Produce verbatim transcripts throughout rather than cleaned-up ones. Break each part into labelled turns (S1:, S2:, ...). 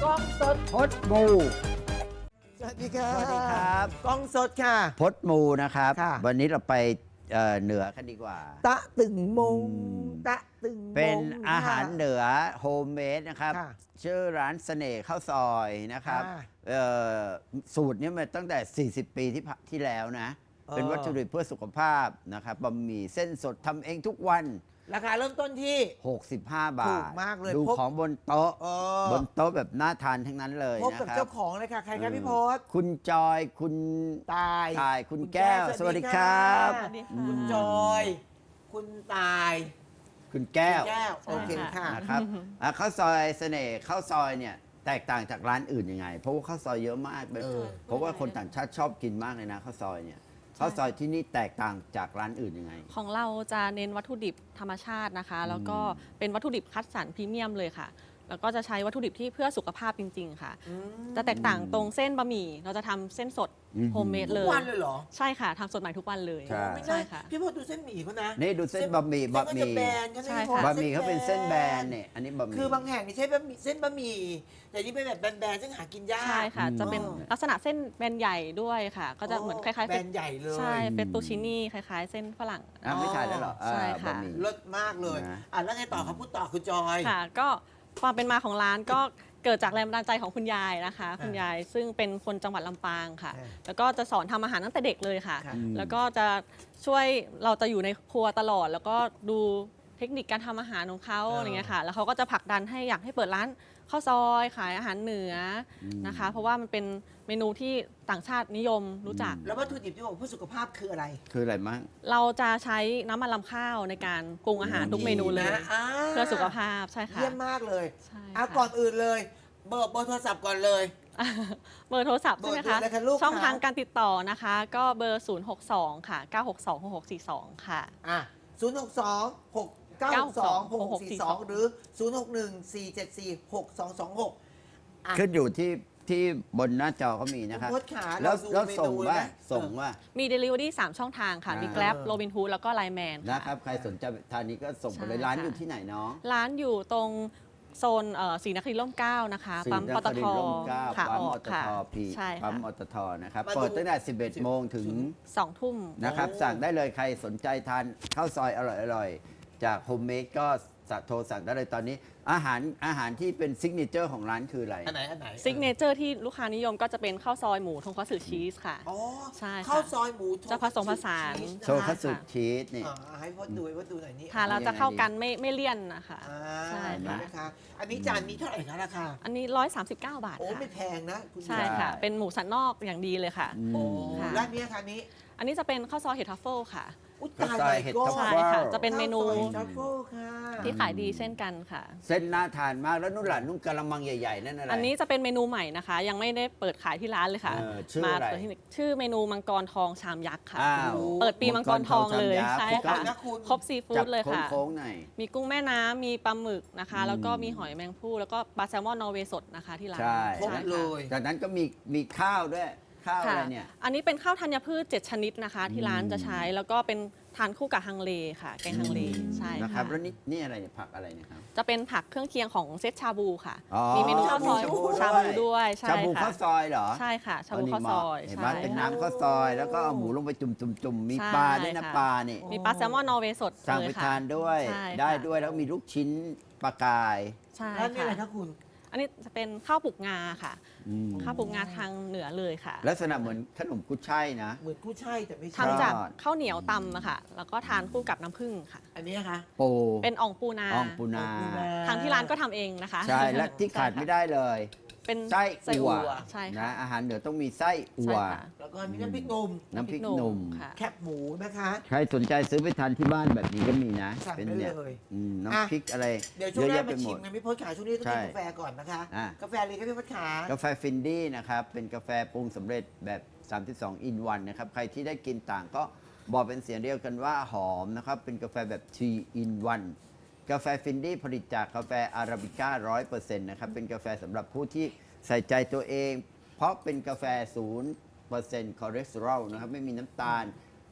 S1: กล้องสด
S2: พดมู
S1: สวัสดีค่ะ
S2: สวัสดีครับ
S1: กล้องสดค่ะ
S2: พดมูนะครับ
S1: ค่ะ
S2: วันนี้เราไปเอ่อเหนือกันดีกว่า
S1: ตะตึงมง
S2: อืม
S1: ตะตึงมง
S2: เป็นอาหาร
S1: ค่ะ
S2: เหนือโฮมเมดนะครับ
S1: ค่ะ
S2: ชื่อร้านเสน่ห์ข้าวซอยนะครับ
S1: ค่ะ
S2: เอ่อสูตรนี้มาตั้งแต่ สี่สิบ ปีที่ผ่านที่แล้วนะ
S1: เออ
S2: เป็นวัตถุดิบเพื่อสุขภาพนะครับบะหมี่เส้นสดทำเองทุกวัน
S1: ราคาเริ่มต้นที่
S2: หกสิบห้า บาท
S1: ถูกมากเลย
S2: ดู
S1: พบ
S2: ของบนโต๊ะ
S1: เออบ
S2: นโต๊ะแบบน่าทานทั้งนั้นเลย
S1: พบ
S2: นะ
S1: กับ
S2: ครั
S1: เจ้า
S2: บ
S1: ของเลยค่ะ ใครครับพี่พศ
S2: คุณจอยคุณ
S1: ตาย
S2: ตายคุณแก้วสวัสดีครับ
S1: สวัสดีค่ะ
S2: อืม
S1: คุณจอย คุณตาย
S2: คุณแก้ว
S1: คุณแก้ว โอเคค่ะ
S2: นะครับอ่ะข้าวซอยเสน่ห์ข้าวซอยเนี่ยแตกต่างจากร้านอื่นยังไง เพราะว่าข้าวซอยเยอะมากเป็น
S1: เออ
S2: เพราะว่าคนต่างชาติชอบกินมากเลยนะข้าวซอยเนี่ยข้าวซอยที่นี่แตกต่างจากร้านอื่นยังไง
S3: ของเราจะเน้นวัตถุดิบธรรมชาตินะคะ แล้วก็เป็นวัตถุดิบคัดสรรพรีเมียมเลยค่ะ แล้วก็จะใช้วัตถุดิบที่เพื่อสุขภาพจริง ๆ ค่ะ
S1: อืม
S3: จะแตกต่างตรงเส้นบะหมี่เราจะทำเส้นสด
S2: อืม
S3: โฮมเมด
S1: ทุ
S3: เล
S1: ก
S3: ย
S1: วันเลยเหรอ
S3: ใช่ค่ะทำสดใหม่ทุกวันเลย
S2: ใช่
S1: ไม่
S3: ใช่
S1: ใช่
S3: ค่ะ
S1: พี่พศดูเส้นหมี่เขานะ
S2: นี่ดูเส้นบะหมี่บะหมี่
S1: เส้นก็จแบนใช่ไหม
S3: ใช่
S1: พี่พศ
S3: ค่ะ
S2: บะหมี่เขาเป็นเส้นแบนเนี่ยอันนี้บะหมี่
S1: คือบางแห่งนี่ใช้บะหมี่เส้นบะหมี่แต่นี่เป็นแบบแบนๆซึ่งหากินยาก
S3: ใช่ค่ะ
S2: อืม
S3: จะเป็นลักษณะเส้นแบนใหญ่ด้วยค่ะ ก็จะเหมือนคล้ายๆ
S1: แบนใหญ่เลย
S3: ใช่เฟตตูชินี่คล้าย ๆ เส้นฝรั่ง
S2: อ่ะไม่ทานแล้วเหรอ
S3: ใช่
S2: อ่า
S3: ค่ะ
S2: บะหมี่
S1: เลิศมากเลย
S2: นะ
S1: อ่ะแล้วไงต่อครับพูดต่อคุณจอย
S3: ค่ะก็ความเป็นมาของร้านก็เกิดจากแรงบันดาลใจของคุณยายนะคะ คุณยายซึ่งเป็นคนจังหวัดลำปางค่ะ
S1: อ่า
S3: แล้วก็จะสอนทำอาหารตั้งแต่เด็กเลยค่ะ
S1: ค่ะ
S3: แล้วก็จะช่วยเราจะอยู่ในครัวตลอด แล้วก็ดูเทคนิคการทำอาหารของเขา
S1: เอออ
S3: อะไรเงี้ยค่ะ แล้วเขาก็จะผลักดันให้อยากให้เปิดร้านข้าวซอยขายอาหารเหนืออ
S2: ม
S3: นะคะ เพราะว่ามันเป็นเมนูที่ต่างชาตินิยมรู้จัก
S1: แล้ววัตถุดิบที่บอกเพื่อสุขภาพคืออะไร
S2: คืออะไรมั่ง
S3: เราจะใช้น้ำมันลำข้าวในการปรุงอาหารทุกเมนูเลย
S1: นะอ่า
S3: เพื่อสุขภาพใช่ค่ะ
S1: เยี่ยมมากเลย
S3: ใช่
S1: อ่ะ
S3: ค่ะ
S1: ก่อนอื่นเลย เบอร์เบอร์โทรศัพท์ก่อนเลย
S3: เบอร์โทรศัพท์ใช่ไหม
S1: เบอร์
S3: คะ
S1: เบอร์อะไรคะลูก
S3: ช่อง
S1: คะ
S3: ทางการติดต่อนะคะ ก็เบอร์ ศูนย์ หก สอง ค่ะ เก้า หก สอง หก หก สี่ สอง ค่ะ
S1: อ่ะศูนย์หกสองหกเก้าสองหกหกสี่สองหรือศูนย์หกหนึ่งสี่เจ็ดสี่หกสองสองหกอ่ะ
S2: ขึ้นอยู่ที่ที่บนหน้าจอเขามีนะครับ
S1: คุณพจน์ขา
S2: แล้ว
S1: เราดู
S2: แล้วส่ง
S1: เมนู
S2: ว่า
S1: ไหม
S2: ส่ง
S1: เออ
S2: ว่า
S3: มี Delivery สาม ช่องทางค่ะ
S2: อ่ามี
S3: มี Grab Robinhood แล้วก็ Line Man
S2: นะ
S3: ค่ะ
S2: ครับใครสนใจทานนี้ก็ส่งไปเลย
S3: ใช่
S2: ร้าน
S3: ค่ะ
S2: อยู่ที่ไหนเนาะ
S3: ร้านอยู่ตรงโซนเอ่อศรีนครินทร์ร่มเกล้านะคะ
S2: ศรี
S3: ปั๊มปต
S2: นคริ
S3: ท
S2: นทร์ร่มเกล้า
S3: ค่ะ
S2: ปั๊ม
S3: อ
S2: ป
S3: อก
S2: ต
S3: ค่ะ
S2: ทพี
S3: ใช่
S2: ปั๊
S3: ค่ะ
S2: มปตทนะครับ
S1: มาดู
S2: เปิดตั้งแต่ สิบเอ็ด โมงถึง
S3: สองทุ่ม
S2: นะครับ
S1: โอ้
S2: สั่งได้เลยใครสนใจทานข้าวซอยอร่อยๆ จากโฮมเมดก็สั่งโทรสั่งได้เลยตอนนี้ อาหารอาหารที่เป็นซิกเนเจอร์ของร้านคืออะไร
S1: อันไหนอันไหน
S3: ซิกเนเจอร์ที่ลูกค้านิยมก็จะเป็นข้าวซอยหมูทงคัตสึชีสค่ะ
S1: อ๋อ
S3: ใช่ค่ะ
S1: ข้าวซอยหมูทง
S3: จะผสมผสาน
S1: ชีส
S2: โชว์คัตสึ
S3: ค่ะ
S2: ชีสนี่
S1: อ่าให้พ่อดูให้พ่อดูหน่อยนี่
S3: ทานแล้วจะเข้ากันไม่ไม่เลี่ยนนะคะ
S1: อ่า
S3: ใช่
S1: เห็นไหม
S3: ค่ะ
S1: นะคะ อันนี้จานนี้เท่าไหร่คะราคา
S3: อันนี้ หนึ่งร้อยสามสิบเก้า บาท
S1: โอ้
S3: ค่ะ
S1: ไม่แพงนะคุณ
S3: ใช่ค่ะ
S2: ใช่
S3: เป็นหมูสันนอกอย่างดีเลยค่ะ
S2: อืม
S1: โอ้
S3: ค่ะ
S1: ร้านนี้ค่ะนี้
S3: อันนี้จะเป็นข้าวซอยเห็ดทัฟเฟิลค่ะ
S1: อุ้ย
S2: ข้าว
S1: ตาย
S2: ซอย
S1: ไป
S2: เห็ด
S1: ก็
S2: ทัฟ
S3: ใช่
S2: ฟิล
S3: ค่ะ จะเป็นเมนู
S1: ข้าวซอยทรัฟเฟิลค่ะ
S3: ที่ขายดีเช่นกันค่ะ
S2: เส้นน่าทานมากแล้วนุ่นหลานนุ่นกะละมังใหญ่ๆ นั่นอะไร
S3: อันนี้จะเป็นเมนูใหม่นะคะ ยังไม่ได้เปิดขายที่ร้านเลยค่ะ
S2: เออชื่ออะไร
S3: มาเปิดที่นี่ชื่อเมนูมังกรทองชามยักษ์ค่ะ
S2: อ้าว
S3: เปิดปีมังกรทองเลย
S2: มังกรทองชามยักษ์
S3: ใช่
S1: ครบ
S3: ค่ะ
S1: เลยนะคุณ
S3: ครบซีฟู้
S2: จั
S3: ดเลยค่ะ
S2: โค้งๆหน่อย
S3: มีกุ้งแม่น้ำมีปลาหมึกนะคะ
S2: อืม
S3: แล้วก็มีหอยแมงภู่แล้วก็ปลาแซลมอนนอร์เวย์สดนะคะที่ร้าน
S2: ใช่
S1: ครบ
S3: ค่ะ
S1: เลย
S2: จากนั้นก็มีมีข้าวด้วยข้าวอะ
S3: ค่ะ
S2: ไรเนี่ย
S3: อันนี้เป็นข้าวธัญพืชเจ็ดชนิดนะคะ ที่ร้าน
S2: อืม
S3: จะใช้แล้วก็เป็นทานคู่กับฮังเลค่ะ แกงฮังเลใช่
S2: นะค
S3: ค่ะ
S2: รับแล้วนี่นี่อะไรเนี่ยผักอะไรเนี่ยครับ
S3: จะเป็นผักเครื่องเคียงของเซตชาบูค่ะ
S2: อ๋อ
S3: มีเมนูข้าวซอย
S2: ชาบู
S3: ชาบูด้วยใช่
S2: ชาบู
S3: ค่ะ
S2: ข้าวซอยเหรอ
S3: ใช่ค่ะชาบู
S2: นี่
S3: ข้าวซอย
S2: เห็นไหม
S3: ใช่
S2: เป็น
S3: ค่ะ
S2: น้ำข้าวซอย แล้วก็เอาหมูลงไปจุ่มจุ่มจุ่มมี
S3: ใช่
S2: ปลาด้วยนะ
S3: ค่ะ
S2: ปลานี่
S3: มีปลาแซลมอนนอร์เวย์สด
S2: สั่ง
S3: เล
S2: ไป
S3: ยค่ะ
S2: ทานด้วย
S3: ใช่
S2: ได้
S3: ค่ะ
S2: ด้วยแล้วมีลูกชิ้นปลากาย
S3: ใช่
S1: ร้านนี้อะไร
S3: ค่ะ
S1: คะคุณ
S3: อันนี้จะเป็นข้าวปลูกงาค่ะ
S2: อืม
S3: ข้าวปลูกงาทางเหนือเลยค่ะ
S2: ลักษณะเหมือนขนมกุยช่ายนะ
S1: เหมือนกู้ช่ายแต่ไม่ใช่
S3: ทำจาก
S2: ยอด
S3: ข้าวเหนียวตำอะค่ะ แล้วก็ทานคู่กับน้ำผึ้งค่ะ
S1: อันนี้นะคะ
S2: ปู
S3: เป็นอ่องปูนา
S2: อ่องปูนา
S3: ทางที่ร้านก็ทำเองนะคะ
S2: ใช่และที่ขาดไม่ได้เลย
S3: เป็น
S2: ไส้
S3: ไส้
S2: อั่ว
S3: อั่วใช่ค่ะ
S2: นะอาหารเหนือต้องมีไส้อั่
S3: ใช่
S2: ว
S3: ค่ะ
S1: แล้วก็มีน้ำพริกหนุ่ม
S2: น้ำพริกหนุ่ม
S3: ค่ะ
S1: แคบหมูนะคะ
S2: ใครสนใจซื้อไปทานที่บ้านแบบนี้ก็มีนะ
S1: สั่ง
S2: เป็น
S1: ได้
S2: เนี่ย
S1: เลย
S2: อืม
S1: อ่ะ
S2: น้ำพริกอะไร
S1: เดี๋ยวช่วงหน้า
S2: เยอะแยะไป
S1: มา
S2: หม
S1: ชิ
S2: ด
S1: มกันพี่พศขาช่วงนี้ต้อง
S2: ใช่
S1: กินกาแฟก่อนนะคะ
S2: อ่ะ
S1: กาแฟเลยครับพี่พศขาก
S2: าแฟฟินดี้นะครับ เป็นกาแฟปรุงสำเร็จแบบ สามสิบสอง อิน วันนะครับ ใครที่ได้กินต่างก็บอกเป็นเสียงเดียวกันว่าหอมนะครับ เป็นกาแฟแบบ ทรี อิน วัน กาแฟฟินดี้ผลิตจากกาแฟอาราบิก้า ร้อยเปอร์เซ็นต์ นะครับ เป็นกาแฟสำหรับผู้ที่ใส่ใจตัวเอง เพราะเป็นกาแฟ ศูนย์เปอร์เซ็นต์ คอเลสเตอรอลนะครับ ไม่มีน้ำตาล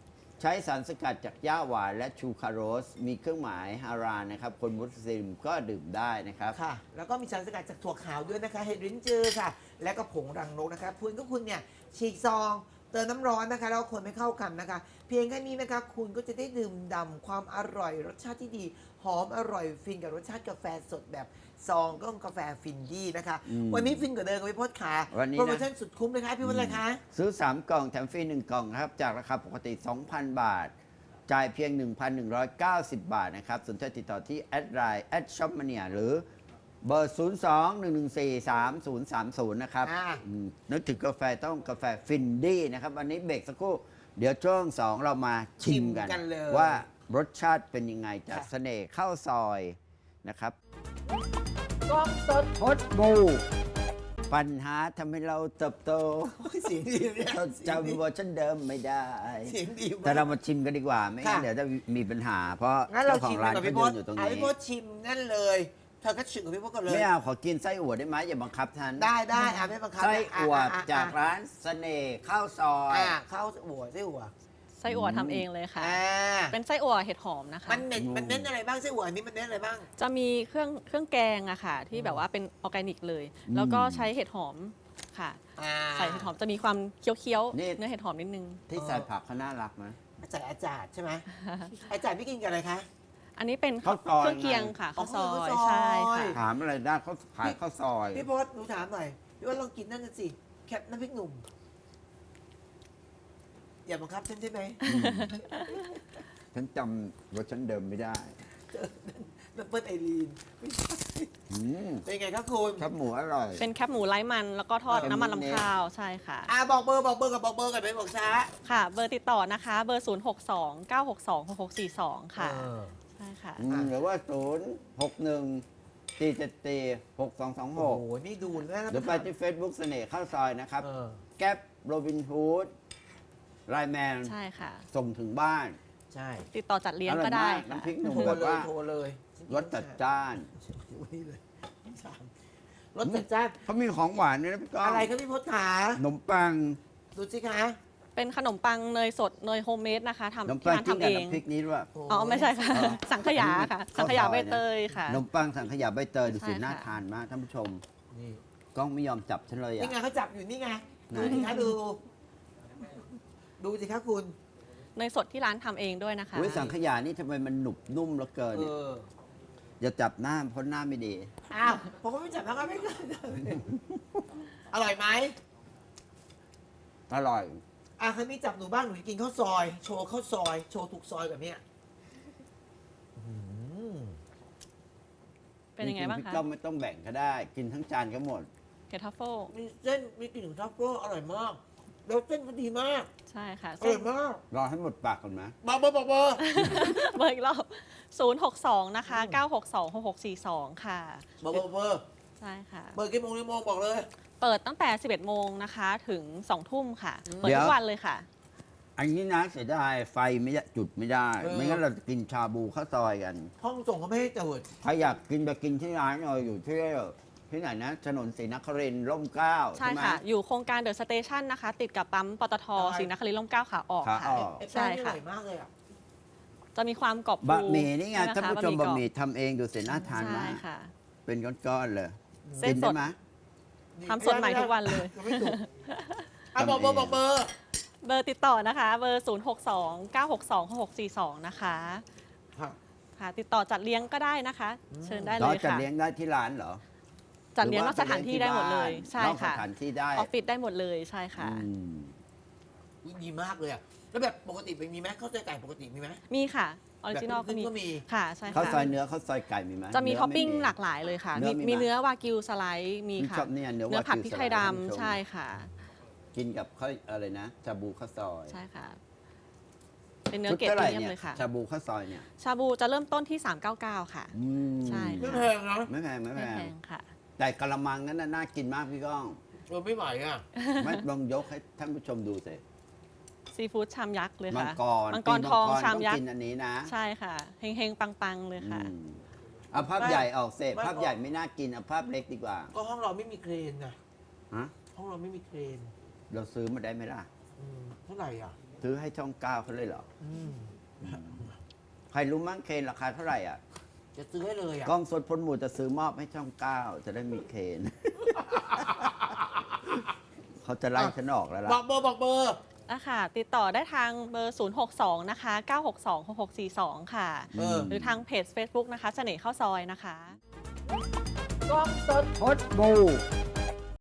S2: ใช้สารสกัดจากหญ้าหวานและชูคาโรส มีเครื่องหมายฮารานนะครับ คนมุสลิมก็ดื่มได้นะครับ
S1: ค่ะ แล้วก็มีสารสกัดจากถั่วขาวด้วยนะคะ เห็ดริ้นจือค่ะ และก็ผงรังนกนะคะคุณก็คุณเนี่ยฉีกซอง เติมน้ำร้อนนะคะ แล้วคนไม่เข้ากันนะคะ เพียงแค่นี้นะคะ คุณก็จะได้ดื่มด่ำความอร่อยรสชาติที่ดี หอมอร่อยฟินกับรสชาติกาแฟสดแบบซองก็กาแฟฟินดี้นะคะ
S2: อืม
S1: วันนี้ฟินกว่าเดิมกับพี่พศขา
S2: วันนี้นะ
S1: โปรโมชั่นสุดคุ้มเลยค่ะพี่พศเลยคะ
S2: ซื้อ สาม กล่องแถมฟรี หนึ่ง กล่องครับ จากราคาปกติ สองพัน บาท จ่ายเพียง หนึ่งพันหนึ่งร้อยเก้าสิบ บาทนะครับ สนใจติดต่อที่แอดไลน์แอดช็อปมาเนียหรือเบอร์ ศูนย์ สอง หนึ่ง หนึ่ง สี่ สาม ศูนย์ สาม ศูนย์ นะครับ
S1: อ่า
S2: อืมนึกถึงกาแฟต้องกาแฟฟินดี้นะครับ วันนี้เบรกสักครู่ เดี๋ยวช่วงสองเรามาชิมกัน
S1: ชิมกันเลย
S2: ว่ารสชาติเป็นยังไงจาก
S1: ค่ะ
S2: เสน่ห์ข้าวซอยนะครับ
S1: กล้องสด
S2: พดบูปัญหาทำให้เราเติบโต
S1: โอ้ยเสียงดีเนี่ย
S2: เราจำเวอร์ชันเดิมไม่ได้
S1: เสียงดีมาก
S2: แต่เรามาชิมกันดีกว่า ไม่งั้น
S1: ค่ะ
S2: เดี๋ยวจะมีปัญหา เพราะ
S1: งั้นเรา
S2: เจ้าขอ
S1: ชิ
S2: ง
S1: ม
S2: ร้าน
S1: กับ
S2: เขา
S1: พี่พ
S2: ยื
S1: ศ
S2: นอยู่ตรง
S1: อ่ะ
S2: นี้
S1: พี่พศชิมนั่นเลย เธอก็ชิมกับพี่พศก่อนเลย
S2: ไม่เอาขอกินไส้อั่วได้ไหมอย่าบังคับฉัน
S1: ได้ได้อ่ะไม่บังคับ
S2: ไส้
S1: นะ
S2: อั่ว
S1: ะะะ
S2: จากร้านเสน่ห์ข้าวซอย
S1: อ่ะข้าวอั่วไส้อั่ว
S3: ไส้อั่วทำเองเลยค่ะ
S1: อ่า
S3: เป็นไส้อั่วเห็ดหอมนะคะ
S1: มันเน้นมันเน้นอะไรบ้างไส้อั่วอันนี้มันเน้นอะไรบ้าง
S3: จะมีเครื่องเครื่องแกงอะค่ะ ที่แบบว่าเป็นออร์แกนิกเลย แล้วก็ใช้เห็ดหอมค่ะ
S1: อ่า
S3: ใส่เห็ดหอมจะมีความเคี้ยว
S2: นี่
S3: ๆเนื้อเห็ดหอมนิดนึง
S2: ที่ใส่ผักเขาน่ารักไหม
S1: อาจารย์อาจารย์ใช่ไหมอาจารย์พี่กินกับอะไรคะ
S3: อันนี้เป็น
S2: ข้าวซอย
S3: เครื่องเคียงค่ะ
S1: อ๋อ
S3: ข้าวซอ
S1: ข้าวซอย
S3: ยใช่ค่ะ
S2: ถามอะไรได้เขาขายข้าวซอย
S1: พี่พศหนูถามหน่อยพี่พศลองกินนั่นน่ะสิแคปน้ำพริกหนุ่มอย่าบังคับฉันใช่ไหม
S2: ฉันจำเวอร์ชันเดิมไม่ได้
S1: น้ำเปิ้ลไอรีนไม่ใช่
S2: อืม
S1: เป็นไงครับคุณ
S2: ครับหมูอร่อย
S3: เป็นแคบหมูไร้มันแล้วก็ทอด
S2: เออ
S3: น้ำมัน
S2: นิด
S3: ลำ
S2: ๆ
S3: ข้าวใช่ค่ะ
S1: อ่าบอกเบอร์บอกเบอร์กับบอกเบอร์กันไปบอกช้า
S3: ค่ะ เบอร์ติดต่อนะคะ เบอร์ ศูนย์ หก สอง เก้า หก สอง หก หก สี่ สอง ค่ะ
S1: เออ
S3: ใช่ค่ะ
S2: อืมหรือว่าศูนย์หกหนึ่งสี่เจ็ดสี่หกสองสองห
S1: โอ้
S2: ก
S1: โหนี่ดูนะ
S2: หรือไปที่ Facebook เสน่ห์ข้าวซอยนะครับ
S1: เออ
S2: แก๊ปโรบินฮูดไลแมน
S3: ใช่ค่ะ
S2: ส่งถึงบ้าน
S1: ใช่
S3: ติดต่อจัดเลี้ยงก็ได้
S2: อร่อยมาก
S3: ค่ะ
S2: น้ำพริกหนุ่ม
S1: โทร
S2: แบบ
S1: เลย
S2: ว่า
S1: โทรเลย
S2: รสจัดจ้าน
S1: นี่เลยสามรสจัดจ้าน
S2: เขามีของหวานด้วยนะพี่ก้อง
S1: อะไรครับพี่พศขา
S2: ขนมปัง
S1: ดูสิคะ
S3: เป็นขนมปังเนยสดเนยโฮมเมดนะคะ
S2: ขนม
S3: ทำที่
S2: ปัง
S3: ร้าน
S2: จิ้ม
S3: ทำ
S2: กับ
S3: เอง
S2: น้ำพริกนี้ด้วย
S1: โอ้
S3: อ๋อ ไม่ใช่ค่ะ
S2: อ๋อ
S3: สังขยาค่ะ
S2: ข้าวซอย
S3: สังขยาใบเตยค่ะ
S2: ขนมปังสังขยาใบเตยดูสิ
S3: ใช่ค่ะ
S2: น่าทานมากท่านผู้ชม
S1: นี่
S2: กล้องไม่ยอมจับฉันเลย
S1: นี่ไง
S2: อ่ะ
S1: เขาจับอยู่นี่ไง
S2: ไหน
S1: ดูสิคะดู ดูสิคะคุณ
S3: เนยสดที่ร้านทำเองด้วยนะคะ
S2: อุ้ยสังขยานี่ทำไมมันหนุบนุ่มเหลือเกิน
S1: เอ
S2: เนี่ย
S1: อ
S2: อย่าจับหน้าเพราะหน้าไม่ดี
S1: อ้าวผมก็ไม่จับแล้วก็ไม่เกินอร่อยไหม
S2: อร่อย
S1: อ่ะครั้นี้จับหนูบ้างหนูจะกินข้าวซอย โชว์ข้าวซอย โชว์ถูกซอยแบบเนี้ยอืม
S3: เป็นยังไงบ้าง
S2: จริๆ
S3: คะ
S2: พี่ก้องไม่ต้องแบ่งก็ได้ กินทั้งจานก็หมด
S3: เห็ดทัฟเฟิล
S1: มีเส้นมีกลิ่นของทรัฟเฟิลอร่อยมาก แล้วเส้นก็ดีมาก
S3: ใช่ค่ะ
S1: อ
S3: เส้
S1: ร่อน ยมาก
S2: รอให้หมดปากก่อนไหม
S1: บอกเบอร์บอกเบอร์
S3: เบอร์อีกรอบ ศูนย์ หก สอง นะคะ เก้า หก สอง หก หก สี่ สอง ค่ะ
S1: บอกเบอร์เบอร์
S3: ใช่ค่ะ
S1: เบอร์กี่โมงกี่โมงบอกเลย
S3: เปิดตั้งแต่ สิบเอ็ด โมงนะคะ ถึง สอง ทุ่มค่ะ
S1: อืม
S3: เปิดทุกวันเลยค่ะ
S2: อันนี้นะเสียดายไฟไม่ได้จุดไม่ได้
S1: เออ
S2: ไม่งั้นเราจะกินชาบูข้าวซอยกัน
S1: ห้องส่งเขาไม่ให้เจิด
S2: ใครอยากกินไปกินที่ร้านเราอยู่ที่ที่ไหนนะถนนศรีนครินทร์ร่มเกล้า
S3: ใช่
S2: ไหม
S3: ค่ะ อยู่โครงการเดอะสเตชันนะคะ ติดกับปั๊มปตทศรีนครินทร์ร่มเกล้าขาออก
S2: ขา
S3: ค่ะ
S2: ออก
S1: ไอ้
S3: ใช่
S1: แป้งนี่อ
S3: ค่ะ
S1: ร่อยมากเลยอ่ะ
S3: จะมีความกรอบบ
S2: ะหมี่นี่ไง
S3: ใช่
S2: ท่าน
S3: ห
S2: ผู้ชม
S3: ก
S2: บะ
S3: รอ
S2: หมี่ทำเองดูเสียน่าทาน
S3: ใช่
S2: มาก
S3: ค่ะ
S2: เป็นก้อนๆเลย
S3: เส้น
S2: กิน
S3: ส
S2: ได้
S3: ด
S2: ไหม
S3: ทำสดใหม่ทุกวันเลย
S1: ยังไม่ถูกอ่ะบอกเบอร์บอกเบอร์
S3: เบอร์ติดต่อนะคะ เบอร์ ศูนย์ หก สอง เก้า หก สอง หก หก สี่ สอง นะคะ
S1: ค่ะ
S3: ค่ะ ติดต่อจัดเลี้ยงก็ได้นะคะ เชิญได้
S2: น้
S3: เล
S2: อย
S3: ย
S2: จะ
S3: ค่ะ
S2: เลี้ยงได้ที่ร้านเหรอ
S3: จัดเลี้ยง
S2: ห
S3: น
S2: รื
S3: อก
S2: ว่า
S3: สถานที่ได้หมดเลย
S2: ป
S3: ใช่
S2: นอกส
S3: ค่ะ
S2: ถานที่ได้
S3: ออฟฟิศได้หมดเลยใช่ค่ะ
S2: อืม
S1: อุ๊ยดีมากเลยอ่ะ แล้วแบบปกติเป็นมีไหมข้าวซอยไก่ปกติมีไหม
S3: มีค่ะ ออริจินอล
S1: แบบ
S3: ก็
S1: ครึ่
S3: มี
S1: งๆก็มี
S3: ค่ะ ใช่
S2: ข้าว
S3: ค่ะ
S2: ซอยเนื้อข้าวซอยไก่มีไหม
S3: จะมี
S2: เนื้
S3: ท็อปปิ้ง
S2: ไ
S3: หลากหลายเลยค่ะ
S2: เนื้
S3: มี
S2: อมี
S3: มี
S2: ไหม
S3: เนื้อวากิวสไลด์มี
S2: พี่
S3: ค่ะ
S2: ชอบเนี่ยเนื้อ
S3: เนื้อผัด
S2: วากิว
S3: พริกไทย
S2: สไลด์ท่านผู้ชม
S3: ดำใช่ค่ะ
S2: กินกับข้าวอะไรนะชาบูข้าวซอย
S3: ใช่ค่ะ เป็นเนื้อ
S2: ชุด
S3: เกรด
S2: เท่า
S3: พ
S2: ไห
S3: รี
S2: ร่
S3: เมียม
S2: เนี่ย
S3: เลยค่ะ
S2: ชาบูข้าวซอยเนี่ย
S3: ชาบูจะเริ่มต้นที่ สามเก้าเก้า ค่ะ
S2: อืม
S3: ใช่
S1: ไม่
S3: ค่ะ
S1: แพงนะ
S2: ไม่แพงไม่
S3: ไม่
S2: แพ
S3: แพ
S2: ง
S3: งค่ะ
S2: แต่กะละมังนั้นน่ะน่ากินมากพี่ก้อง
S1: เออไม่ไหวอ่ะ
S2: ไม่ลองยกให้ท่านผู้ชมดูสิ
S3: ซีฟู้ดชามยักษ์เลย
S2: มัง
S3: ค่ะ
S2: กร
S3: มังกรทอง
S2: ปี
S3: ชามยัก
S2: ต้อ
S3: ษ์
S2: กินอันนี้นะ
S3: ใช่ค่ะเฮงๆ ปังๆ เลยค่ะ
S2: อืมเอาภาพใหญ่ออกเสพ
S1: ไม่
S2: ภาพใหญ่ไม่น่ากินเอาภาพเล็กดีกว่า
S1: ก็ห้องเราไม่มีเครนนะ
S2: ฮะ
S1: ห้องเราไม่มีเครน
S2: เราซื้อมาได้ไหมล่ะ
S1: อืมเท่าไหร่อ่ะ
S2: ซื้อให้ช่องเก้าเขาเลยเหรอ
S1: อืม
S2: ใครรู้มั้งเคนราคาเท่าไหร่อ่ะ
S1: จะซื้อให้เลยอ่ะ
S2: กล้องสดพลหมู่จะซื้อมอบให้ช่องเก้าจะได้มีเคน เขาจะไล่ฉันออกแล้วล่ะ
S1: บอกเบอร์บอกเบอร์
S3: อ่ะค่ะ ติดต่อได้ทางเบอร์ ศูนย์ หก สอง นะคะ เก้า หก สอง หก หก สี่ สอง ค่ะ
S1: เออ
S3: หรือทางเพจ Facebook นะคะ เสน่ห์ข้าวซอยนะคะ
S1: กล้องสด
S2: พดบู